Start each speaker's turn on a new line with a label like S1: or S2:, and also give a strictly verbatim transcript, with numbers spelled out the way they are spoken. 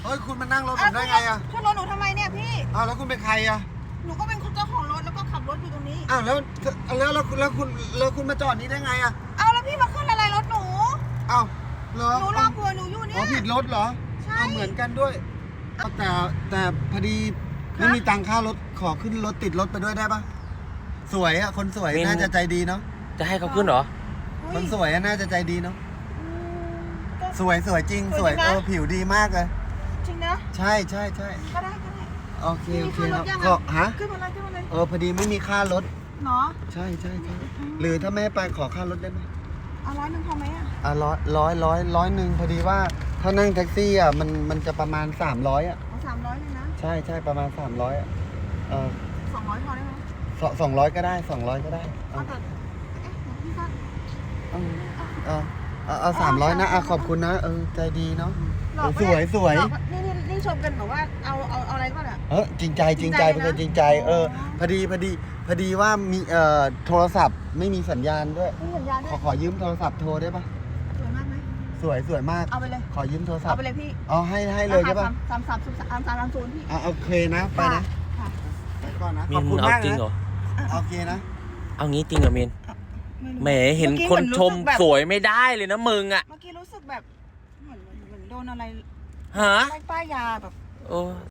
S1: ฮ้ยคุณมานั่งรถผมได้ไงอะ
S2: ขึ้นรถหนูทำไมเนี่ยพี่
S1: อ้าวแล้วคุณเป็นใครอะ
S2: หนูก็เป็นเจ้าของรถแล้วก็ขับรถอยู่ตรงนี้
S1: อ้าวแล้วแล้วแล้วแล้วคุณแล้วคุณมาจอดนี้ได้ไงอะ
S2: เอาแล้วพี่มาขึ้นอะไรรถหนู
S1: อ้าวเหรอ
S2: หนูรอผัวหนูอยู่เนี่ย
S1: อ๋อผิดรถเหรอ
S2: ใช่
S1: เหมือนกันด้วยแต่แต่พอดีไม่มีตังค่ารถขอขึ้นรถติดรถไปด้วยได้ปะสวยอะคนสวยน่าจะใจดีเนาะ
S3: จะให้เขาขึ้นเหรอ
S1: คนสวยน่าจะใจดีเนาะสวยสวยจริงสวยเออผิวดีมากเลย
S2: จริงนะ
S1: ใช่ใช่ใช่
S2: ก็ได้ก็ได้
S1: โอเคโอเคครับก็ฮะ
S2: ขึ้นมาเลยขึ้นมาเลย
S1: เออพอดีไม่มีค่ารถ
S2: เนาะ
S1: ใช่ใช่ใช่หรือถ้าไม่ไปขอค่ารถได้ไหม
S2: เอาร้อยหนึ่งพอไหมอ่ะ
S1: อ่ะร้อยร้อยร้อยร้อยหนึ่งพอดีว่าถ้านั่งแท็กซี่อ่ะมันมันจะประมาณสามร้อยอ่ะ
S2: เอาสามร้อยเลยนะ
S1: ใช่ใช่ประมาณสามร้อยอ่ะเออ
S2: สองร้อยพอได้ไหม
S1: สองสองร้อยก็ได้สองร้อยก็ได้
S2: เอาแต่เอ๊ะพี่ก็
S1: เออเออเอาสามร้อยนะอ่ะขอบคุณนะเออใจดีเนาะสวยสวย
S2: นี่นี่นี่ชมกันแบบว่าเอาเอาเอาอะไรก่อนอ่ะ
S1: เออจริงใจจริงใจเป็นคนจริงใจเออพอดีพอดีพอดีว่ามีเอ่อโทรศัพท์ไม่มีสัญญาณด้วย
S2: ไม่มีสัญญาณด้
S1: ข
S2: ว
S1: อยขอยืมโทรศัพท์โทรได้ปะ
S2: สวยมากไหม
S1: สวยสวยมาก
S2: เอาไปเลย
S1: ขอยืมโทรศัพท์
S2: เอาไปเลยพี่
S1: เอาให้ให้เลยใช่ปะ
S2: สามสามสามสามสามศูนย์พี่
S1: อ่ะโอเคนะไปนะไปก่อนนะ
S3: ขอบคุณมากนะ
S1: โอเคนะ
S3: เอางี้จริงเหรอมินแหมเห็นคนชมสวยไม่ได้เลยนะมึงอ่ะ
S2: เมื่อกี้รู้สึกแบบเหมือนเหมือนโดนอะไร
S3: ฮะ
S2: ป้ายยาแบบ
S3: โอ้